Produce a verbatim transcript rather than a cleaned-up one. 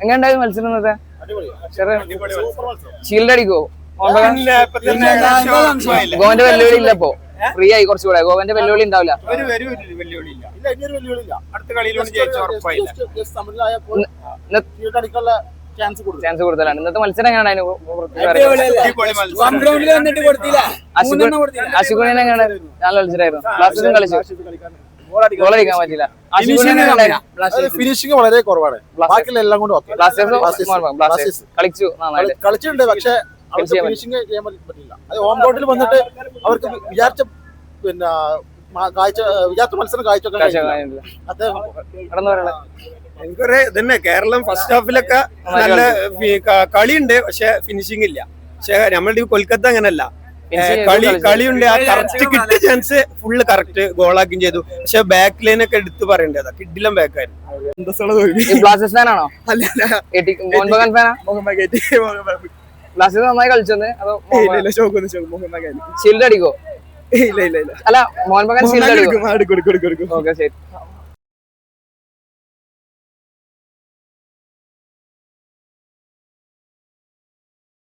എങ്ങനെയുണ്ടായിരുന്നു മത്സരം ഇന്നത്തെ? ഷീൽഡ് അടിക്കോ? ഗോവന്റെ വെല്ലുവിളി ഇല്ല ഇപ്പൊ, ഫ്രീ ആയി കുറച്ചുകൂടെ. ഗോവന്റെ വെല്ലുവിളി ഉണ്ടാവില്ല. ചാൻസ് കൂടുതലാണ്. ഇന്നത്തെ മത്സരം എങ്ങനെയാണ്? അശുഗുണിനെ എങ്ങനെ? നല്ല മത്സരമായിരുന്നു. ബ്ലാസ്റ്റേഴ്സും കളിച്ചു, ഗോളടിക്കാൻ പറ്റില്ല. ഫിനിഷിംഗ് വളരെ കുറവാണ്. ബാക്കിയെല്ലാം കൊണ്ട് ബ്ലാസ്റ്റേഴ്സ് കളിച്ചു നന്നായിട്ട് കളിച്ചിട്ടുണ്ട്, പക്ഷെ ഫിനിഷിംഗ് ചെയ്യാൻ പറ്റില്ല. അത് ഹോം ഗ്രൗണ്ടിൽ വന്നിട്ട് അവർക്ക് വിചാരിച്ച പിന്നെ കാഴ്ച വിചാരിച്ച മത്സരം കാഴ്ചവെക്കാൻ തന്നെ. കേരളം ഫസ്റ്റ് ഹാഫിലൊക്കെ നല്ല കളിയുണ്ട്, പക്ഷെ ഫിനിഷിംഗ് ഇല്ല. പക്ഷെ നമ്മളുടെ കൊൽക്കത്ത അങ്ങനല്ല, കളി കളിയുണ്ട്. ആ കറക്റ്റ് കിട്ടിയ ചാൻസ് ഫുള്ള് കറക്റ്റ് ഗോളാക്കുകയും ചെയ്തു. പക്ഷെ ബാക്ക് ലൈൻ ഒക്കെ എടുത്ത് പറയേണ്ടതാ, കിഡിലും ബാക്കായിരുന്നു. ബ്ലാസ്റ്റേഴ്സ് ഫാനാണോ? ബ്ലാസ്റ്റേഴ്സ് നന്നായി കളിച്ചെന്ന് അതോ ഷീൽഡ് അടിക്കോ? അല്ല, മോഹൻ ബഗാൻ ഷീൽഡ് അടിക്കും. ഓക്കെ, ശരി.